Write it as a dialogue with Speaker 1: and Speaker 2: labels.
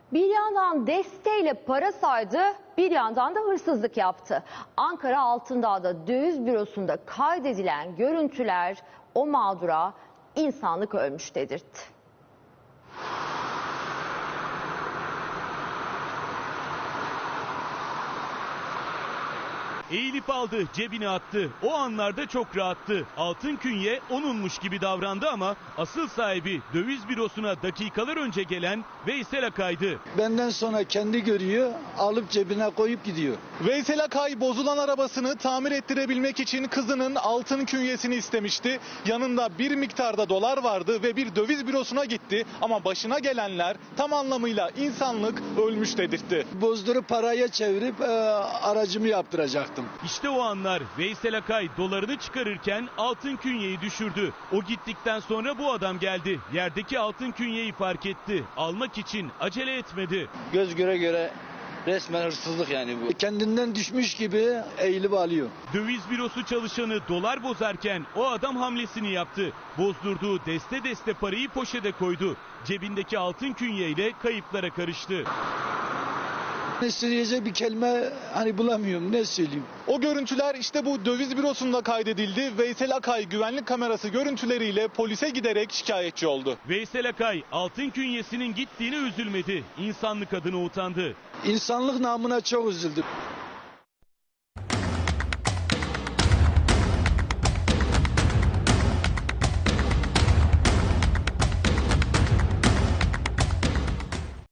Speaker 1: Bir yandan desteğiyle para saydı, bir yandan da hırsızlık yaptı. Ankara Altındağ'da döviz bürosunda kaydedilen görüntüler o mağdura insanlık ölmüş dedirtti.
Speaker 2: Eğilip aldı, cebine attı. O anlarda çok rahattı. Altın künye onunmuş gibi davrandı ama asıl sahibi döviz bürosuna dakikalar önce gelen Veysel Akay'dı.
Speaker 3: Benden sonra kendi görüyor, alıp cebine koyup gidiyor.
Speaker 4: Veysel Akay bozulan arabasını tamir ettirebilmek için kızının altın künyesini istemişti. Yanında bir miktarda dolar vardı ve bir döviz bürosuna gitti. Ama başına gelenler tam anlamıyla insanlık ölmüş dedirtti.
Speaker 3: Bozdurup paraya çevirip aracımı yaptıracaktım.
Speaker 2: İşte o anlar Veysel Akay dolarını çıkarırken altın künyeyi düşürdü. O gittikten sonra bu adam geldi. Yerdeki altın künyeyi fark etti. Almak için acele etmedi.
Speaker 5: Göz göre göre resmen hırsızlık yani bu.
Speaker 3: Kendinden düşmüş gibi eğilip alıyor.
Speaker 2: Döviz bürosu çalışanı dolar bozarken o adam hamlesini yaptı. Bozdurduğu deste deste parayı poşete koydu. Cebindeki altın künyeyle kayıplara karıştı.
Speaker 3: Ne söyleyecek bir kelime bulamıyorum, ne söyleyeyim.
Speaker 4: O görüntüler işte bu döviz bürosunda kaydedildi. Veysel Akay güvenlik kamerası görüntüleriyle polise giderek şikayetçi oldu.
Speaker 2: Veysel Akay altın künyesinin gittiğine üzülmedi. İnsanlık adına utandı.
Speaker 3: İnsanlık namına çok üzüldüm.